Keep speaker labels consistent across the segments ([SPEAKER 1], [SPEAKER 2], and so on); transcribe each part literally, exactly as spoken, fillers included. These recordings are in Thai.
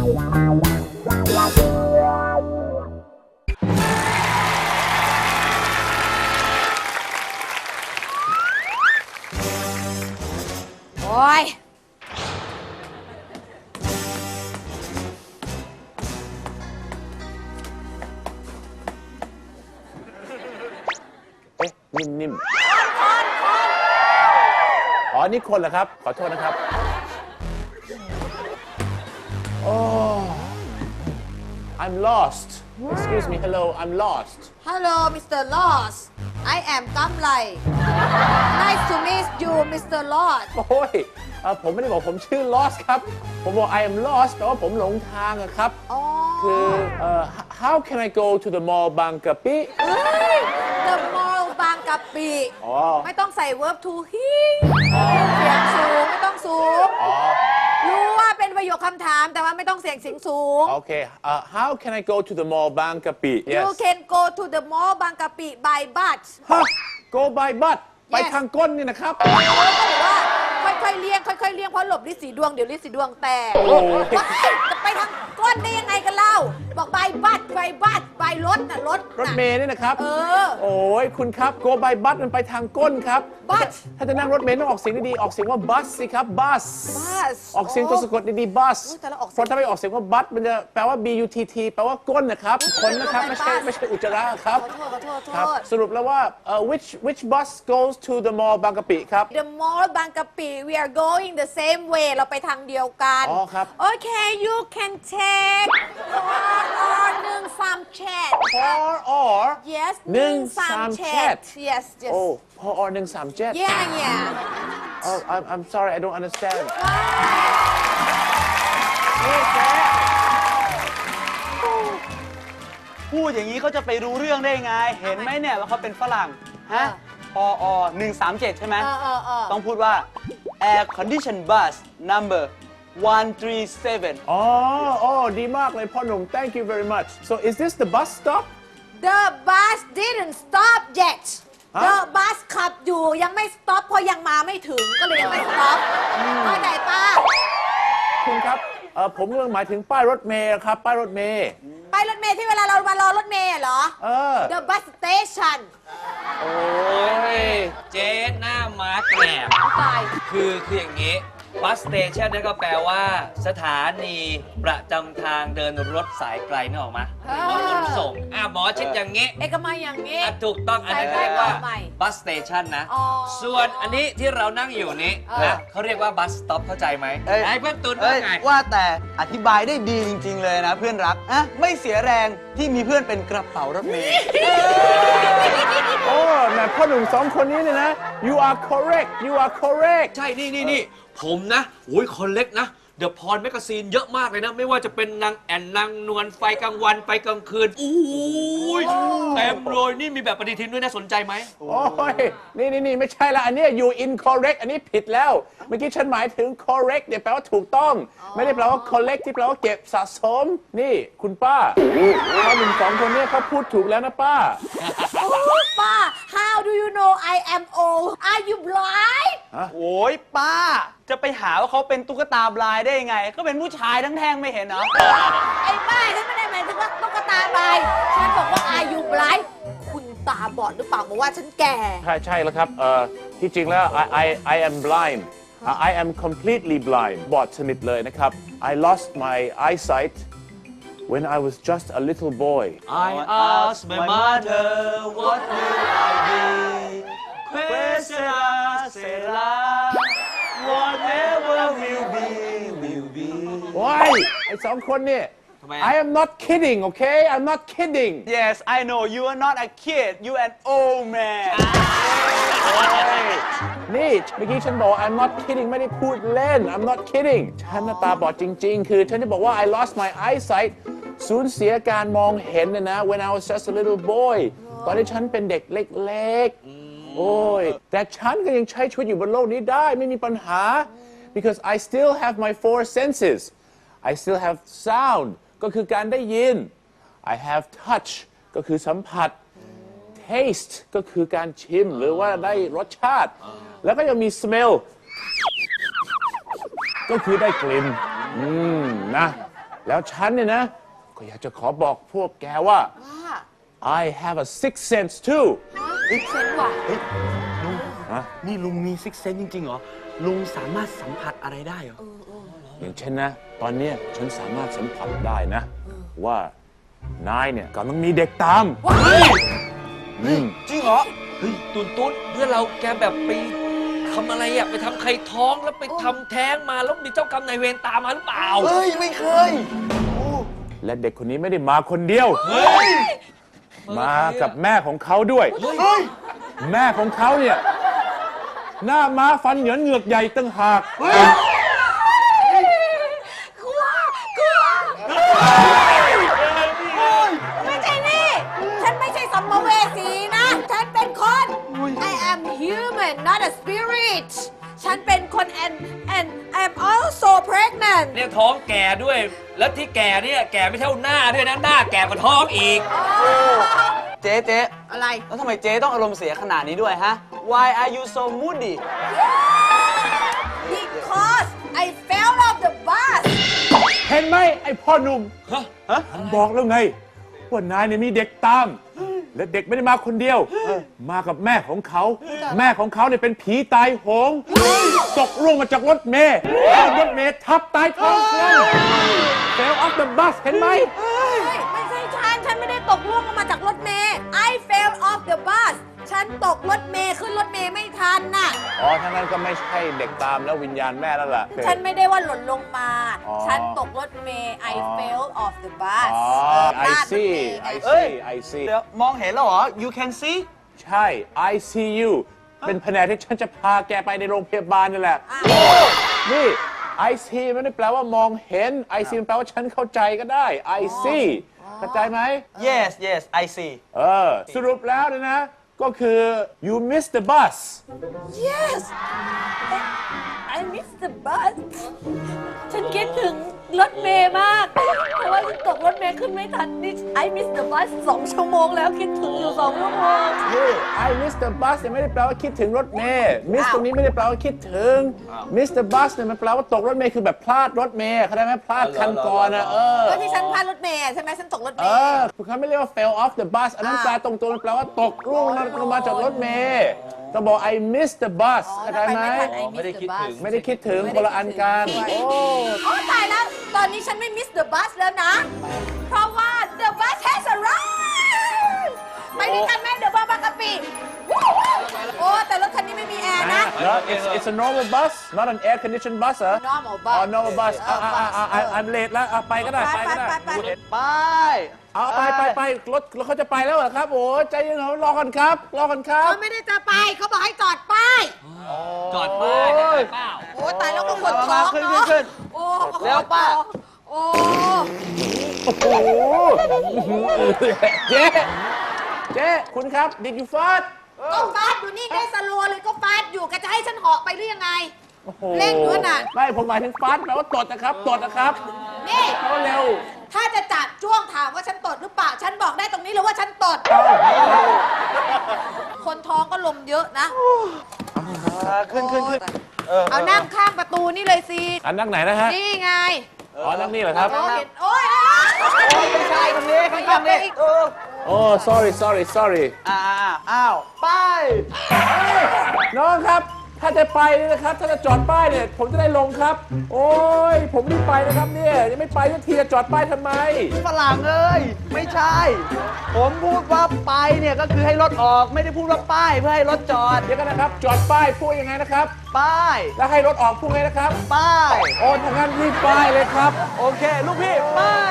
[SPEAKER 1] โอ้ย
[SPEAKER 2] เอ๊ะนิ่มๆอ๋อนี่คนเหรอครับ ขอโทษนะครับ โอ้ I'm lost excuse me hello I'm lost
[SPEAKER 1] Hello Mister Loss I am กำไร Nice to meet you Mister Loss
[SPEAKER 2] โอ้ยเอ่อผมไม่ได้บอกผมชื่อ lost ครับ ผมบอก I am lost แปลว่าผมหลงทางอะครับ
[SPEAKER 1] อ๋อ
[SPEAKER 2] คือเอ่อ how can I go to the mall บางกะปิ
[SPEAKER 1] เอ้ย The Mall บางกะปิ
[SPEAKER 2] อ๋อ
[SPEAKER 1] ไม่ต้องใส่ verb to he เสียงสูง ไม่ต้องสูง
[SPEAKER 2] อ๋อ
[SPEAKER 1] รู้ว่าเป็นประโยคคำถามแต่ว่าไม่ต้องเสียงเสียงสูง
[SPEAKER 2] โอเคเอ่อ how can I go to the mall บางกะปิ yes
[SPEAKER 1] You can go to the mall บางกะปิ by bus
[SPEAKER 2] ฮะ go by bus ไปทางก้นนี่นะครับ
[SPEAKER 1] เขาก็บอกว่าค่อยๆเลี่ยงค่อยๆเลี่ยงเพราะหลบลิสีดวงเดี๋ยวลิสีดวงแตก
[SPEAKER 2] โอ้ย
[SPEAKER 1] ว้ายจะไปทางก้นได้ยังไงกันเล่า บอกบายบัสบายบัสบายรถน่ะรถ
[SPEAKER 2] รถ
[SPEAKER 1] น่ะ
[SPEAKER 2] เมล์นี่นะครับ
[SPEAKER 1] เออ
[SPEAKER 2] โอ้ยคุณครับ go by bus มันไปทางก้นครับ
[SPEAKER 1] bus
[SPEAKER 2] ถ้าจะนั่งรถเมล์ต้องออกเสียงดีๆออกเสียงว่า bus สิครับ bus
[SPEAKER 1] bus
[SPEAKER 2] ออกเสียงตัวสะกดดีๆ bus
[SPEAKER 1] โอ้ยแต่ละออกเสียง
[SPEAKER 2] เพราะถ้าไม่ออกเสียงว่า bus มันจะแปลว่า b u t t แปลว่าก้นนะครับคนนะครับไม่ใช่ไม่ใช่อุจจาระครับ
[SPEAKER 1] ขอโทษขอโทษขอ
[SPEAKER 2] ครับ
[SPEAKER 1] โทษ
[SPEAKER 2] สรุปแล้วว่าเอ่อ which which bus goes to the mall บางกะปิครับ
[SPEAKER 1] The mall บางกะปิ we are going the same way เราไปทางเดียวกัน
[SPEAKER 2] อ๋อครับ
[SPEAKER 1] Okay you can take or หนึ่งสามแชท
[SPEAKER 2] or or
[SPEAKER 1] yes
[SPEAKER 2] หนึ่งสาม
[SPEAKER 1] แช
[SPEAKER 2] chat
[SPEAKER 1] yes yes
[SPEAKER 2] โอ้ or หนึ่งสามเจ็ด
[SPEAKER 1] yeah yeah
[SPEAKER 2] oh I'm I'm sorry I don't understand
[SPEAKER 3] นี่แกพูดอย่างนี้เขาจะไปรู้เรื่องได้ไง เห็นไหมเนี่ยว่าเขาเป็นฝรั่ง ฮะปอหนึ่งสามเจ็ดใช่ไหม
[SPEAKER 1] เออเออเออ
[SPEAKER 3] ต้องพูดว่า air condition bus number one three seven
[SPEAKER 2] อ๋ออ๋อดีมากเลยพ่อหนุ่ม thank you very much so is this the bus stop
[SPEAKER 1] The bus didn't stop yet
[SPEAKER 2] ฮะ
[SPEAKER 1] The bus ขับอยู่ยังไม่ stop เพราะยังมาไม่ถึงก็เลยยังไม่ stop เข้าใจป้า
[SPEAKER 2] คุณครับเอ่อผมกำลังหมายถึงป้ายรถเมล์ครับ ป้ายรถเมล์
[SPEAKER 1] ไปรถเมล์ที่เวลาเรามารอรถเมล์เหรอ
[SPEAKER 2] เออ
[SPEAKER 1] The bus station
[SPEAKER 2] โอ้ย
[SPEAKER 4] เจ๊หน้าม้าแกรบ
[SPEAKER 1] ตาย
[SPEAKER 4] คือคืออย่างนี้บัสสเตชันนั่นก็แปลว่า สถานีประจำทางเดินรถสายไกลนึกออกไหมหรือว่าขนส่งอ่ะหมอชิดอย่างนี้
[SPEAKER 1] เอกมัยอย่างนี้
[SPEAKER 4] อ่ะถูกต้องอันนี้
[SPEAKER 1] สายไกล
[SPEAKER 4] เรียกว่า
[SPEAKER 1] ต่อใหม่
[SPEAKER 4] บัสสเตชันนะ
[SPEAKER 1] อ๋อ
[SPEAKER 4] ส่วนอันนี้ที่เรานั่งอยู่นี้
[SPEAKER 1] เออ
[SPEAKER 4] นะเขาเรียกว่าบัสสต็อปเข้าใจไหม
[SPEAKER 3] เอ้ย
[SPEAKER 4] ไอ้เพื่อนตุน
[SPEAKER 3] เอ้
[SPEAKER 4] ว่าย ไง
[SPEAKER 3] ว่าแต่อธิบายได้ดีจริง ๆ เลยนะเพื่อนรักอะไม่เสียแรงที่มีเพื่อนเป็นกระเป๋ารถเมล์
[SPEAKER 2] โอ้แม่พ่อหนุ่มสองคนนี้เนี่ยนะ you are correct you are correct
[SPEAKER 4] ใช่ นี่นี่นี่ผมนะโอ้ยคนเล็กนะ เดอะพรแมกกาซีนเยอะมากเลยนะ ไม่ว่าจะเป็นนางแอนนางนวลไฟกลางวันไฟกลางคืนอู้ยเต็มเลยนี่มีแบบปฏิทินด้วยนะสนใจไหม
[SPEAKER 2] โอ้ย นี่นี่นี่ไม่ใช่ละ อันเนี้ย you incorrect อันนี้ผิดแล้ว เมื่อกี้ฉันหมายถึง correct เนี่ยแปลว่าถูกต้อง ไม่ได้แปลว่า collect ที่แปลว่าเก็บสะสม นี่คุณป้าพ่อหนุ่มสองคนเนี้เขาพูดถูกแล้วนะป้า
[SPEAKER 1] โอ้ป้า How do you know I am old Are you blind
[SPEAKER 3] โอ้ยป้า จะไปหาว่าเขาเป็นตุ๊กตาบลายได้ยังไง ก็เป็นผู้ชายทั้งแท่งไม่เห็นเหรอ
[SPEAKER 1] ไอ้บ้าฉันไม่ได้หมายถึงว่าตุ๊กตาบายฉันบอกว่า Are you blind คุณตาบอดหรือเปล่าบอกว่าฉันแก่
[SPEAKER 2] ใช่ใช่แล้วครับเอ่อที่จริงแล้ว I I I am blind I am completely blind บอดสนิทเลยนะครับ I lost my eyesight when I was just a little boy
[SPEAKER 4] I asked my mother what will I be Quesera sera whatever will be will be
[SPEAKER 2] ว้ายไอ้สองคนเนี่ย
[SPEAKER 4] ทำไมอะ
[SPEAKER 2] I am not kidding okay I'm not kidding
[SPEAKER 3] Yes I know you are not a kid you an old man
[SPEAKER 2] นี่เมื่อกี้ฉันบอก I'm not kidding ไม่ได้พูดเล่น I'm not kidding ฉันน่ะตาบอดจริงๆ คือฉันจะบอกว่า I lost my eyesight สูญเสียการมองเห็นนะนะ when I was just a little boy ตอนที่ฉันเป็นเด็กเล็กๆ โอ้ย แต่ฉันก็ยังใช้ชีวิตอยู่บนโลกนี้ได้ไม่มีปัญหา because I still have my four senses I still have sound ก็คือการได้ยิน I have touch ก็คือสัมผัส taste ก็คือการชิมหรือว่าได้รสชาติ แล้วก็ยังมี smell ก็คือได้กลิ่น อืม นะแล้วฉันเนี่ยนะ ก็อยากจะขอบอกพวกแกว่า
[SPEAKER 1] ว่า
[SPEAKER 2] I have a sixth sense too
[SPEAKER 1] เซนว่ะ
[SPEAKER 3] นี่ลุงมีซิกเซนจริงๆเหรอ ลุงสามารถสัมผัสอะไรได้เหรอ
[SPEAKER 2] อย่างเช่นนะ ตอนเนี้ยฉันสามารถสัมผัสได้นะ ว่านายเนี่ยกำลังมีเด็กตาม
[SPEAKER 1] ว้าย
[SPEAKER 2] อืม
[SPEAKER 3] จริงเหรอ
[SPEAKER 4] เฮ้ยตุนตุนเพื่อนเราแกแบบไปทำอะไรอะไปทำใครท้องแล้วไปทำแท้งมาแล้วมีเจ้ากรรมนายเวรตามมาหรือเปล่า
[SPEAKER 3] เฮ้ย ไม่เคย
[SPEAKER 2] และเด็กคนนี้ไม่ได้มาคนเดียว
[SPEAKER 4] เฮ้ย
[SPEAKER 2] มากับแม่ของเขาด้วย
[SPEAKER 3] เฮ้ย
[SPEAKER 2] แม่ของเขาเนี่ย หน้าม้าฟันเหยินเหงือกใหญ่ตั้งหาก
[SPEAKER 1] กลัวกลัวไม่ใช่นี่ ฉันไม่ใช่สัมภเวสีนะ ฉันเป็นคน I am human not a spirit ฉันเป็นคน and and I'm also pregnant
[SPEAKER 4] เนี่ยท้องแก่ด้วย แล้วที่แก่เนี่ยแก่ไม่เท่าหน้าด้วยนะ หน้าแก่กว่าท้องอีก
[SPEAKER 3] เจ๊เจ๊
[SPEAKER 1] อะไร
[SPEAKER 3] แล้วทำไมเจ๊ต้องอารมณ์เสียขนาดนี้ด้วยฮะ Why are you so moody
[SPEAKER 1] because I fell off the bus
[SPEAKER 2] เห็นไหมไอ้พ่อหนุ่ม
[SPEAKER 4] ฮะ
[SPEAKER 2] ฉันบอกแล้วไง ว่านายเนี่ยมีเด็กตาม และเด็กไม่ได้มาคนเดียว มากับแม่ของเขา แม่ของเขาเนี่ยเป็นผีตายโหงตกร่วงมาจากรถเมล์รถเมล์ทับตายท้องเครื่อง fell off the bus เห็นไหม
[SPEAKER 1] เฮ้ยไม่ใช่ฉัน ฉันไม่ได้ตกล่วงลงมาจากรถเมล์ I fell off the bus ฉันตกรถเมล์ขึ้นรถเมล์ไม่ทันน่ะ
[SPEAKER 2] อ๋อทั้างนั้นก็ไม่ใช่เด็กตามแล้ววิญญาณแม่แล้วล่ะ
[SPEAKER 1] ฉันไม่ได้ว่าหล่นลงมา
[SPEAKER 2] อ๋อ
[SPEAKER 1] ฉันตกรถเมล์ I
[SPEAKER 2] อ๋อ
[SPEAKER 1] fell off the bus
[SPEAKER 2] อ๋อ
[SPEAKER 1] พ
[SPEAKER 2] I
[SPEAKER 1] ลาดรถ
[SPEAKER 2] see
[SPEAKER 1] เมล์ไง
[SPEAKER 2] I
[SPEAKER 3] เอ้ย
[SPEAKER 2] see I see
[SPEAKER 3] เดี๋ยวมองเห็นแล้วเหรอ You can see
[SPEAKER 2] ใช่ I see you เป็นแผนกที่ฉันจะพาแกไปในโรงพยาบาลนี่แหละ นี่ I see ไม่ได้แปลว่ามองเห็น I see มันแปลว่าฉันเข้าใจก็ได้ I see เข้าใจไหม
[SPEAKER 3] Yes yes I see
[SPEAKER 2] เออ สรุปแล้วเนี่ยนะ ก็คือ you missed the bus
[SPEAKER 1] Yes I missed the bus ฉันคิดถึงรถเมล์มาก เพราะว่าฉันตกรถเมล์ขึ้นไม่ทันนี่ I missed the bus สองชั่วโมงแล้วคิดถึงอยู่สองชั่วโมง
[SPEAKER 2] นี่ I missed the bus เนี่ยไม่ได้แปลว่าคิดถึงรถเมล์ miss ตรงนี้ไม่ได้แปลว่าคิดถึง miss the bus เนี่ยมันแปลว่าตกรถเมล์คือแบบพลาดรถเมล์เข้าใจไหมพลาดคันก่อนนะเออ
[SPEAKER 1] ก็ที่ฉันพลาดรถเมล์ใช่ไหมฉันตกรถเม
[SPEAKER 2] เอ
[SPEAKER 1] ล์
[SPEAKER 2] อเขาไม่เรียกว่า fell off the bus อันนั้น
[SPEAKER 1] อ่า
[SPEAKER 2] แปลตรงตัวมันแปลว่าตกร่วงลงมาจากรถเมล์ต้องบอก I missed the bus เข้าใจไหม
[SPEAKER 4] ไม่ได้คิดถึง
[SPEAKER 2] ไม่ได้คิดถึงคนละอันกัน โอ้
[SPEAKER 1] โอ้ตายแล้ว ตอนนี้ฉันไม่ miss the bus แล้วนะ เพราะว่า the bus has arrived ไปด้วยกันไหม the bus บางกะปิโอ้แต่รถคันนี้ไม่มีแอร์นะ
[SPEAKER 2] No, it's it's a normal bus not an air conditioned bus เหรอ
[SPEAKER 1] normal bus
[SPEAKER 2] อ๋อ normal bus อ่าอ่าอ่าอ่า I'm late แล้วอ่ะไปก็ได้
[SPEAKER 1] ไป
[SPEAKER 2] ไปก็ได้
[SPEAKER 1] ไปไปไป
[SPEAKER 3] ไป
[SPEAKER 2] เอาไปไปไปรถรถเขาจะไปแล้วเหรอครับ โอ้ใจเย็นๆรอกันครับ รอกันครับ
[SPEAKER 1] เขาไม่ได้จะไปเขาบอกให้จอดป้าย
[SPEAKER 4] จอดป้ายได้เปล่า
[SPEAKER 1] โอ้ตายแล้วก็ขน
[SPEAKER 3] มา
[SPEAKER 1] ท้
[SPEAKER 3] มา
[SPEAKER 1] อง
[SPEAKER 3] ขึ้น
[SPEAKER 1] เนาะ
[SPEAKER 3] ขึ้น
[SPEAKER 1] โอ้
[SPEAKER 3] เร็วป้า
[SPEAKER 1] โอ้
[SPEAKER 2] โอ้โหเจ๊เจ๊คุณครับ did you fart
[SPEAKER 1] ก็ฟาดอยู่นี่ได้สโลว์เลยก็ฟาดอยู่ก็จะให้ฉันเหาะไปหรือยังไง
[SPEAKER 2] โอ้โห
[SPEAKER 1] เร่งอยู่น่ะ
[SPEAKER 2] ไม่ผมหมายถึงฟาสแปลว่าตดนะครับตดนะครับ
[SPEAKER 1] นี่
[SPEAKER 2] แปลว่าเร็ว
[SPEAKER 1] ถ้าจะจับจ้วงถามว่าฉันตดหรือเปล่า ฉันบอกได้ตรงนี้เลยว่าฉันตด คนท้องก็ลมเยอะนะ
[SPEAKER 3] ขึ้นขึ้นขึ้น
[SPEAKER 1] เอานั่งข้างประตูนี่เลยสิ
[SPEAKER 2] อันนั่งไหนนะฮะ
[SPEAKER 1] นี่ไง
[SPEAKER 2] อ๋อ นั่งนี่เหรอครับ
[SPEAKER 1] โอ้เห็นโอ้ย
[SPEAKER 3] ไม่ใช่ตรงนี้ข้างๆนี่เออ
[SPEAKER 2] โอ้ sorry sorry sorry
[SPEAKER 3] อ่าอ้าวไป
[SPEAKER 2] น้องครับ ถ้าจะไปเนี่ยนะครับ ถ้าจะจอดป้ายเนี่ย ผมจะได้ลงครับ โอ้ย ผมรีบไปนะครับเนี่ย ยังไม่ไปสักทีจะจอดป้ายทำไม
[SPEAKER 3] ฝรั่งเอ้ยไม่ใช่ ผมพูดว่าไปเนี่ยก็คือให้รถออกไม่ได้พูดว่าป้ายเพื่อให้รถจอด
[SPEAKER 2] เดี๋ยวกันนะครับ จอดป้ายพูดยังไงนะครับ
[SPEAKER 3] ป้าย
[SPEAKER 2] แล้วให้รถออกพูดไงนะครับ
[SPEAKER 3] ป้าย
[SPEAKER 2] โอ้ทางนั้นรีบป้ายเลยครับ
[SPEAKER 3] โอเค ลูกพี่ป้าย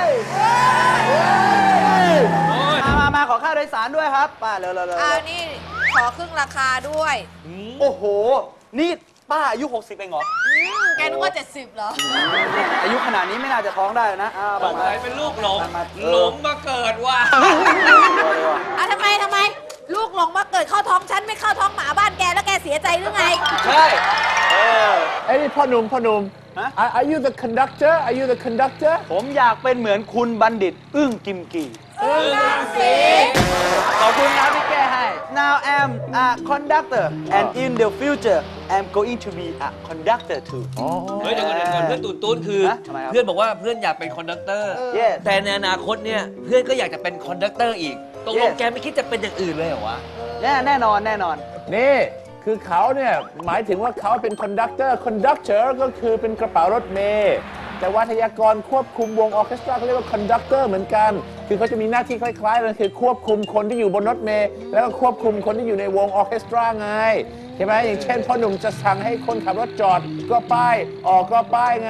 [SPEAKER 3] มามามาขอค่าโดยสารด้วยครับป้าเร็วเร็วเร็ว
[SPEAKER 1] เอานี่ขอครึ่งราคาด้วย
[SPEAKER 3] โอ้โห นี่ป้าอายุ หกสิบเองเหรอ
[SPEAKER 1] อืมแกนึกว่าเจ็ดสิบเหรอ
[SPEAKER 3] อายุขนาดนี้ไม่น่าจะท้องได้นะอ้าว
[SPEAKER 4] ส
[SPEAKER 3] มาง มา
[SPEAKER 4] สัยเป็นลูกหลง
[SPEAKER 3] มาเออ
[SPEAKER 4] หลงมาเกิดว่ะ
[SPEAKER 1] อ่ะทำไมทำไม ลูกหลงมาเกิดเข้าท้องฉันไม่เข้าท้องหมาบ้านแกแล้วแกเสียใจหรือไง
[SPEAKER 3] ใช่เออ
[SPEAKER 2] ไอ้นี่พ่อหนุ่มพ่อหนุ่ม
[SPEAKER 3] ฮะ
[SPEAKER 2] Are are you the conductor Are you the conductor
[SPEAKER 3] ผมอยากเป็นเหมือนคุณบัณฑิต อึ้งกิมกีขอบคุณครับที่แก้ให้ Now I'm a conductor and in the future I'm going to be a conductor too
[SPEAKER 4] เฮ้ยเดี๋ยวก่อนเดี๋ยวก่อนเพื่อนตูนตูนคือ
[SPEAKER 3] ฮะทำไมครับ
[SPEAKER 4] เพื่อนบอกว่าเพื่อนอยากเป็นคอนดักเตอร์
[SPEAKER 3] Yes
[SPEAKER 4] แต่ในอนาคตเนี่ยเพื่อนก็อยากจะเป็นคอนดักเตอร์อีกตกลง
[SPEAKER 3] Yes
[SPEAKER 4] แกไม่คิดจะเป็นอย่างอื่นเลยเหรอวะ
[SPEAKER 3] แน่แน่นอนแน่นอน
[SPEAKER 2] นี่ คือเขาเนี่ย หมายถึงว่าเขาเป็นคอนดักเตอร์คอนดักเตอร์ก็คือเป็นกระเป๋ารถเมล์แต่วัทยากรควบคุมวงออร์เคสตราเขาเรียกว่าคอนดักเตอร์เหมือนกัน คือเขาจะมีหน้าที่คล้ายๆกันคือควบคุมคนที่อยู่บนรถเมล์แล้วก็ควบคุมคนที่อยู่ในวงออร์เคสตราไงใช่ไหมอย่างเช่นพ่อหนุ่มจะสั่งให้คนขับรถจอดก็ป้ายออกก็ป้ายไง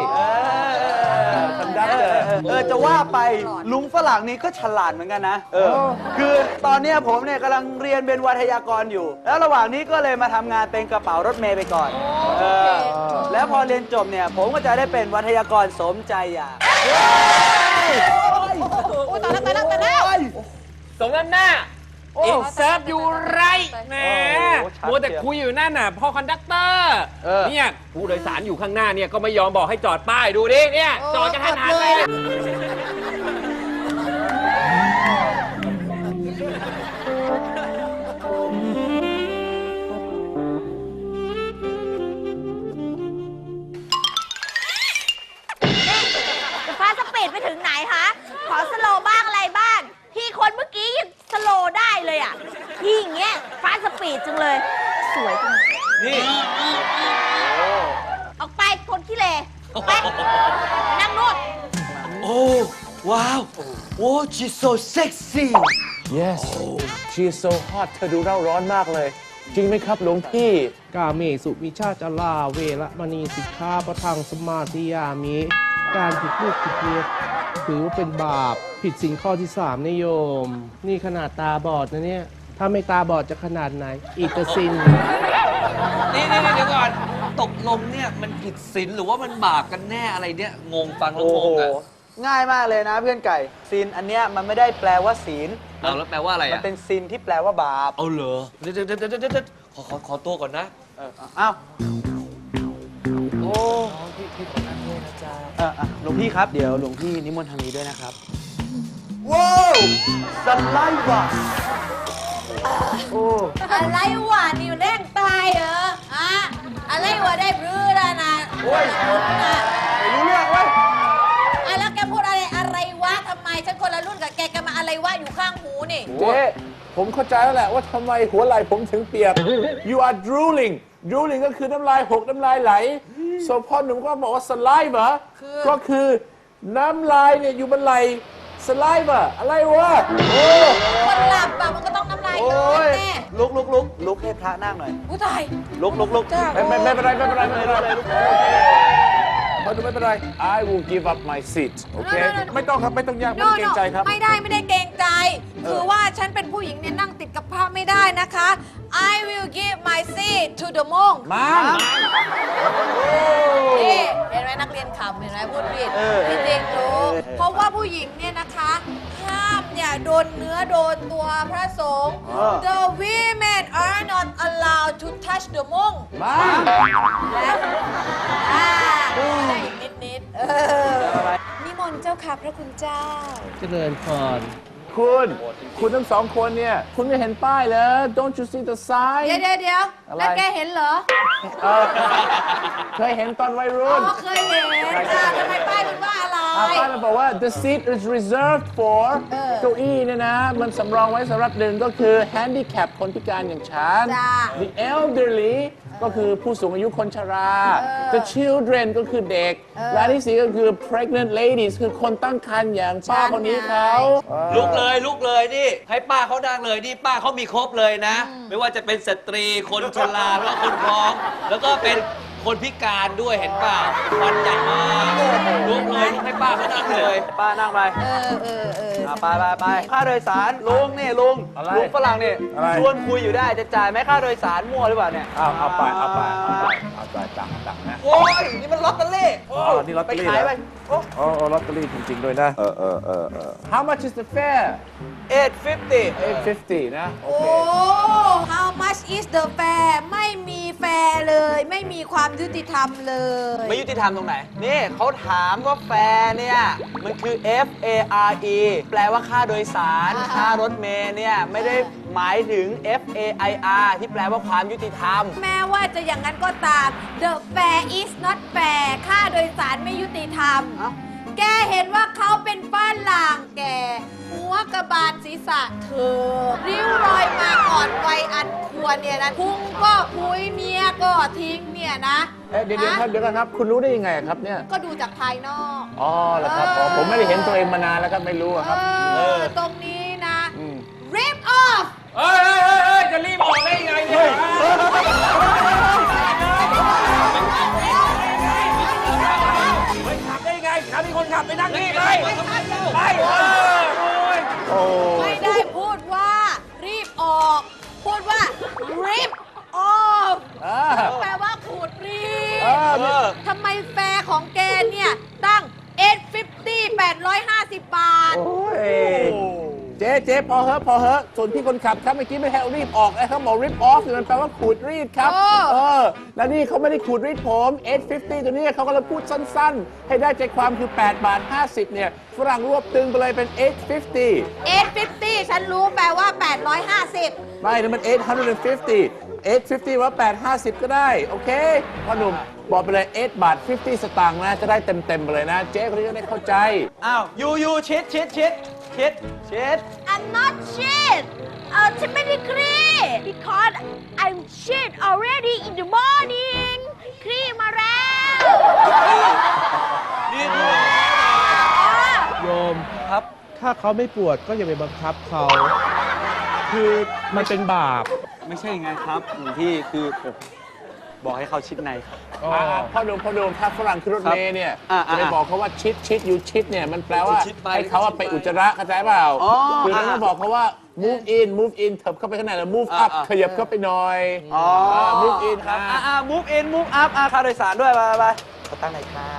[SPEAKER 2] คอนดักเตอร์
[SPEAKER 3] เออ จะว่าไปลุงฝรั่งนี่ก็ฉลาดเหมือนกันนะ เออ คือตอนเนี้ยผมเนี่ยกำลังเรียนเป็นวัทยากรอยู่ แล้วระหว่างนี้ก็เลยมาทำงานเป็นกระเป๋ารถเมย์ไปก่อน เออ แล้วพอเรียนจบเนี่ย ผมก็จะได้เป็นวัทยากรสมใจอยาก
[SPEAKER 1] โอ้ยตายแล้วตายแล้วตายแล้ว
[SPEAKER 5] สมน้ำหน้าอินเซิร์ฟอยู่ไรแหม
[SPEAKER 3] โอ้โหชัด
[SPEAKER 5] มัวแต่
[SPEAKER 3] เชียว
[SPEAKER 5] คุยอยู่นั่นน่ะพ่อคอนดักเตอร์
[SPEAKER 3] เออ
[SPEAKER 5] เนี่ยผู้โดยสารอยู่ข้างหน้าเนี่ยก็ไม่ยอมบอกให้จอดป้ายดูดิเนี่ยจอดกันทันหันเลย
[SPEAKER 1] ฟ้าสปีดไปถึงไหนคะขอสโลว์บ้างอะไรบ้างพี่คนเมื่อกี้ยังสโลว์ได้เลยอ่ะพี่อย่างเงี้ยฟ้าสปีดจังเลย สวยจัง
[SPEAKER 4] นี่
[SPEAKER 1] ออกไปคนขี้เลไปนั่งนู่น
[SPEAKER 4] โอ้ว้าวโอ้ she's so sexy
[SPEAKER 2] Yes she is so hot เธอดูเร่าร้อนมากเลย จริงไหมครับหลวงพี่
[SPEAKER 6] กาเมสุมิชาจาราเวระมณีสิกขาประทังสมาธิยามิ การผิดลูกผิดเมียถือว่าเป็นบาป ผิดศีลข้อที่สามนิโยม นี่ขนาดตาบอดนะเนี่ย ถ้าไม่ตาบอดจะขนาดไหน อีกกสิน
[SPEAKER 4] นี่นี่นี่เดี๋ยวก่อนตกลงเนี่ยมันผิดศีลหรือว่ามันบาปกันแน่อะไรเนี่ยงงฟังแล้ว
[SPEAKER 3] โอ้
[SPEAKER 4] ง
[SPEAKER 3] โห
[SPEAKER 4] งอ่ะ
[SPEAKER 3] ง่ายมากเลยนะเพื่อนไก่ซีนอันเนี้ยมันไม่ได้แปลว่าศีล
[SPEAKER 4] เอาแล้วแปลว่าอะไร
[SPEAKER 3] มัน
[SPEAKER 4] อ่ะ
[SPEAKER 3] เป็นซีนที่แปลว่าบาป
[SPEAKER 4] เอาเหรอเดี๋ยวเดี๋ยวเดี๋ยวเดี๋ยวเดี๋ยวขอขอขอตัวก่อนนะ
[SPEAKER 3] เอออ้าว
[SPEAKER 4] โอ้
[SPEAKER 3] เอออ่ะหลวงพี่ครับ เดี๋ยวหลวงพี่นิมนต์ทางนี้ด้วยนะครับ ว้าวสไลด์ว่ะโอ้
[SPEAKER 1] อะไรวะนี่มันแรงตายเหรออะอะไรวะได้บรือแล้วนะ
[SPEAKER 3] โอ้ยไม่รู้เรื่องเว้ย
[SPEAKER 1] อะแล้วแกพูดอะไรอะไรวะทำไมฉันคนละรุ่นกับแกแกมาอะไรวะอยู่ข้างหูนี่
[SPEAKER 2] เจ๊ผมเข้าใจแล้วแหละว่าทำไมหัวไหล่ผมถึงเปียก you are drooling drooling ก็คือน้ำลายหกน้ำลายไหล so พ่อหนุ่มก็บอกว่า saliva ก็คือน้ำลายเนี่ยอยู่บนไหล่ saliva อะไรวะ โอ้
[SPEAKER 1] คนหลับอะมันก็ต้องน้ำลาย
[SPEAKER 3] โอ้
[SPEAKER 1] ย้อย
[SPEAKER 3] ย
[SPEAKER 1] แน่
[SPEAKER 3] ลุกลุกลุกลุกให้พระนั่งหน่อย
[SPEAKER 1] ผู้ตาย
[SPEAKER 3] ลุกลุกลุก
[SPEAKER 1] จ้า
[SPEAKER 2] ไม่ไม่ไม่เป็นไรไม่เป็นไรไม่เป็นไรพ่อหนุ่มไม่เป็นไร I will give up my seat โอเค ไม่ต้องครับไม่ต้องยากไม่ต้องเกรงใจครับ
[SPEAKER 1] ไม่ได้ไม่ได้เกรงใจ คือว่าฉันเป็นผู้หญิงเนี่ยนั่งติดกับพระไม่ได้นะคะ I will give my seat to the monk
[SPEAKER 2] มา
[SPEAKER 1] นี่เห็นไหมนักเรียนขำเห็นไหมพูดผิดพี่จริงรู้เพราะว่าผู้หญิงเนี่ยนะคะห้ามเนี่ยโดนเนื้อโดนตัวพระสงฆ์ The women are not allowed to touch the monk
[SPEAKER 2] มา
[SPEAKER 1] และอ่าได้อีกนิดนิดๆเออนิมนต์เจ้าค่ะพระคุณเจ้า
[SPEAKER 6] เจริญพร
[SPEAKER 2] คุณ คุณทั้งสองคนเนี่ย คุณไม่เห็นป้ายเหรอ Don't you see the sign
[SPEAKER 1] เดี๋ยวเดี๋ยวเดี๋ยว
[SPEAKER 2] อะไร
[SPEAKER 1] แล้วแกเห็นเหรอ
[SPEAKER 2] เคยเห็นตอนวัย
[SPEAKER 1] อ๋
[SPEAKER 2] รุ่น
[SPEAKER 1] อเคยเห็นอ่ะทำไมป้ายมันว่าอะไร
[SPEAKER 2] อ่าป้ายมันบอกว่า the seat is reserved for
[SPEAKER 1] เออ
[SPEAKER 2] เก้าอี้เนี่ยนะ มันสำรองไว้สำหรับหนึ่งก็คือ handicap คนพิการอย่างฉัน
[SPEAKER 1] จ้า
[SPEAKER 2] the elderly ก็คือผู้สูงอายุคนชรา the children ก็คือเด็ก และอันที่สี่ก็คือ pregnant ladies คือคนตั้งครรภ์อย่างป้าคนนี้เขา
[SPEAKER 4] ลุกเลยลุกเลยนี่ให้ป้าเขาดังเลยนี่ป้าเขามีครบเลยนะ ไม่ว่าจะเป็นสตรีคนชราแล้วก็คนท้อง แล้วก็เป็นคนพิการด้วยเห็นเปล่าฟันใหญ่มากลุกเลยลุกให้ป้าเขาดังเลย
[SPEAKER 3] ป้านั่งไป
[SPEAKER 1] เออเออเออ
[SPEAKER 3] อ่ะไปไปไปค่าโดยสารลุงนี่ลุง
[SPEAKER 2] อะไร
[SPEAKER 3] ลุงฝรั่งนี่
[SPEAKER 2] อะไร
[SPEAKER 3] ชวนคุยอยู่ได้จะจ่ายไหมค่าโดยสารมั่วหรือเปล่าเนี่ย
[SPEAKER 2] เอาเอาไปเอาไปเอาไปเอาไปตังค์ตังค์นะ
[SPEAKER 3] โอ้ยนี่มันลอตเตอรี่โอ้
[SPEAKER 2] อ๋อนี่ลอตเตอรี่
[SPEAKER 3] ไปขาย
[SPEAKER 2] เหรอ
[SPEAKER 3] ไปโอ้
[SPEAKER 2] โอ้โอ้ลอตเตอรี่จริง ๆ ด้วยนะ เออเออเออเออ How much is the fare
[SPEAKER 3] เอ็ดฟิฟตี้
[SPEAKER 2] eight fifty นะ โอ
[SPEAKER 1] โอ้
[SPEAKER 2] เค
[SPEAKER 1] how much is the fare ไม่มีแฟร์เลย ไม่มีความยุติธรรมเลย
[SPEAKER 3] ไม่ยุติธรรมตรงไหน นี่เขาถามว่าแฟร์เนี่ย มันคือ F A R E แปลว่าค่าโดยสาร
[SPEAKER 1] อ่า
[SPEAKER 3] ค่ารถเมล์เนี่ย ไม่ได้หมายถึง F A I R ที่แปลว่าความยุติธรรม
[SPEAKER 1] แม้ว่าจะอย่างนั้นก็ตาม the fare is not fair ค่าโดยสารไม่ยุติธรรม
[SPEAKER 3] เอ้า
[SPEAKER 1] แกเห็นว่าเขาเป็นฝรั่งแก หัวกระบาลศีรษะเธอ ริ้วรอยมาก่อนวัยอันควรเนี่ยนะพุงก็พุยเมียก็ทิ้งเนี่ยนะ
[SPEAKER 2] เอ๊ะเดี๋ยวเดี๋ยวครับ
[SPEAKER 1] ฮะ
[SPEAKER 2] เดี๋ยวกันครับ คุณรู้ได้ยังไงครับเนี่ย
[SPEAKER 1] ก็ดูจากภายนอก
[SPEAKER 2] อ๋อเหรอครับอ๋อผมไม่ได้เห็นตัวเองมานานแล้วครับไม่รู้อะครับ
[SPEAKER 1] เออ ตรงนี้นะ
[SPEAKER 2] อืม
[SPEAKER 1] rip off
[SPEAKER 5] เฮ้ยเฮ้ยเฮ้ยเฮ้ยจะรีบออกได้ยังไงเนี่ย เฮ้ยขับได้ยังไงขับมีคนขับไปนั่งนี่เลยไปเออโอ้ย
[SPEAKER 2] โอ้
[SPEAKER 1] ไม่ได้พูดว่า รีบออก พูดว่า rip off
[SPEAKER 2] อ่า
[SPEAKER 1] แปลว่าขูดรี
[SPEAKER 2] เออ
[SPEAKER 3] เออ
[SPEAKER 1] ทำไมแฟร์ของแกเนี่ย ตั้งเจ็ดร้อยห้าสิบ แปดร้อยห้าสิบบาท
[SPEAKER 2] โอ้ยเจ๊เจ๊พอเหอะพอเหอะส่วนพี่คนขับครับเมื่อกี้ไม่ให้เอารีบออกนะเขาบอก rip off มันแปลว่าขูดรีดครับ
[SPEAKER 1] เออ
[SPEAKER 2] เออ แล้วนี่เขาไม่ได้ขูดรีดผมเจ็ดร้อยห้าสิบตัวนี้เขากำลังพูดสั้นๆ ให้ได้ใจความคือแปดบาทห้าสิบเนี่ยฝรั่งรวบตึงไปเลยเป็นเจ็ดร้อยห้าสิบ
[SPEAKER 1] เจ็ดร้อยห้าสิบ ฉันรู้แปลว่า แปดร้อยห้าสิบ
[SPEAKER 2] ไม่นั่นมันเจ็ดร้อยห้าสิบ เจ็ดร้อยห้าสิบว่าแปดร้อยห้าสิบก็ได้ โอเคพ่อหนุ่มบอกไปเลย8บาท50 สตางค์นะ จะได้เต็มๆไปเลยนะ เจ๊คนนี้จะได้เข้าใจ
[SPEAKER 3] อ้าวยูยูชิดชิดชิดชิดชิด
[SPEAKER 1] I'm not shit เออฉันไม่ได้ครี because I'm shit already in the morning ครีมาแล้ว
[SPEAKER 3] นี่คือ
[SPEAKER 6] โยม
[SPEAKER 3] ครับ
[SPEAKER 6] ถ้าเขาไม่ปวดก็อย่าไปบังคับเขา คือมันเป็นบาป
[SPEAKER 3] ไม่ใช่ไงครับหลวงพี่คือผมบอกให้เขาชิดในครับ
[SPEAKER 2] อ่าพ่อหนุ่มพ่อหนุ่มถ้าฝรั่งขึ้นรถเมล์เนี่ย
[SPEAKER 3] อ่า
[SPEAKER 2] จะไป
[SPEAKER 3] อ่า
[SPEAKER 2] บอกเขาว่าชิดชิดอยู่ชิดเนี่ยมันแปลว่า
[SPEAKER 3] ชิดไป
[SPEAKER 2] ให้เขาอะไปอุจจาระเข้าใจเปล่า
[SPEAKER 3] อ๋อ
[SPEAKER 2] คือเรา
[SPEAKER 3] อ่า
[SPEAKER 2] ต้องบอกเขาว่า move in move in เถิบเข้าไปข้างในแล้ว move
[SPEAKER 3] อ่า
[SPEAKER 2] up
[SPEAKER 3] อ่า
[SPEAKER 2] ขยับเข้าไปหน่อย
[SPEAKER 3] อ๋อ
[SPEAKER 2] อ่า move in ครับ
[SPEAKER 3] อ่าอ่า move in move up อ่าค่าโดยสารด้วย ไปไปไปขอตั้งหน่อยครับ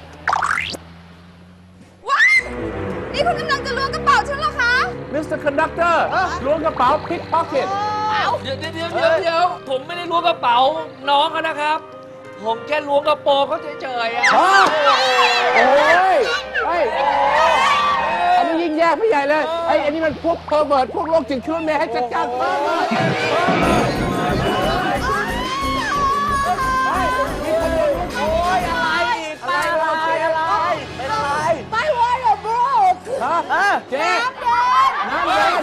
[SPEAKER 1] ว้ายนี่คุณกำลังจะล้วงกระเป๋าฉันเหรอคะ
[SPEAKER 2] มิสเตอร์ conductor ล้วงกระเป๋า pickpocket
[SPEAKER 4] เดี๋ยวเดี๋ยวเดี๋ยวเดี๋ยวเดี๋ยวผมไม่ได้ล้วงกระเป๋าน้องเขานะครับ ผมแค่ล้วงกระโปรงเขาเฉยๆอะ
[SPEAKER 2] ฮะโอ้ยเฮ้ยอันนี้ยิ่งแย่ไม่ใหญ่เลยไอ้อันนี้มันพวก pervert พวกโรคจิตขึ้นเมย์ให้จัดการ pervert
[SPEAKER 3] โอ้ยอะไรอีกอะไรเราเสียอะไรเป็นอะไร
[SPEAKER 1] ไม่ว่าหรอก bro
[SPEAKER 2] ฮะ
[SPEAKER 3] ฮะ
[SPEAKER 2] เจ๊
[SPEAKER 1] น้ำเดิน
[SPEAKER 2] น้ำเดิน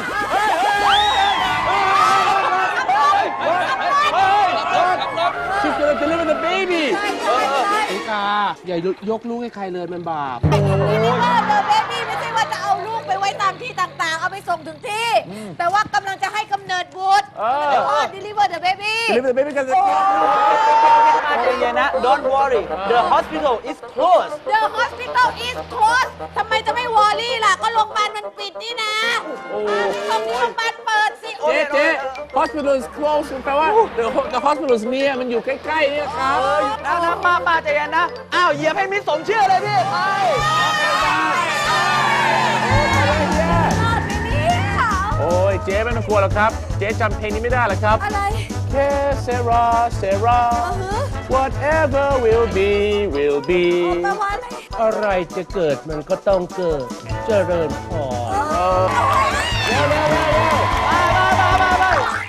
[SPEAKER 2] She's gonna deliver the baby
[SPEAKER 6] ไอ้กา อย่ายกลูกให้ใครเลยมันบาป
[SPEAKER 1] ไอ้คำนี้นี่ว่าเดอะเบบี้ไม่ใช่ว่าจะเอาลูกไปไว้ตามที่ต่างๆ เอาไปส่งถึงที่ แต่ว่ากำลังจะให้กำเนิดบุตร
[SPEAKER 2] เออ
[SPEAKER 1] ไม่ว่า deliver the baby
[SPEAKER 2] deliver the baby กันจะ
[SPEAKER 3] ใจเย็นนะ don't worry the hospital is closed
[SPEAKER 1] The hospital is closed ทำไมจะไม่วอรี่ล่ะ ก็โรงพยาบาลมันปิดนี่นะตรงนี้โรงพยาบาลเปิดสิ
[SPEAKER 2] เจ๊เจ๊ hospital is closed แปลว่า the the hospital is near มันอยู่ใกล้ๆเนี่ยครับ
[SPEAKER 3] เออนะนะป้าป้าใจเย็นนะ อ้าว เหยียบให้มิดสมชื่อเลยพี่ ไป
[SPEAKER 1] รอดไหมเนี่ย
[SPEAKER 2] โอ้ยเจ๊ไม่ต้องกลัวหรอกครับ เจ๊จำเพลงนี้ไม่ได้หรอกครับ
[SPEAKER 1] อะไร
[SPEAKER 2] เคเซราเซรา
[SPEAKER 1] อือฮึ
[SPEAKER 2] whatever will be will be
[SPEAKER 1] แปลว่าอะไร
[SPEAKER 6] อะไรจะเกิดมันก็ต้องเกิด เจริญพร
[SPEAKER 2] เร็วเร็วเร็ว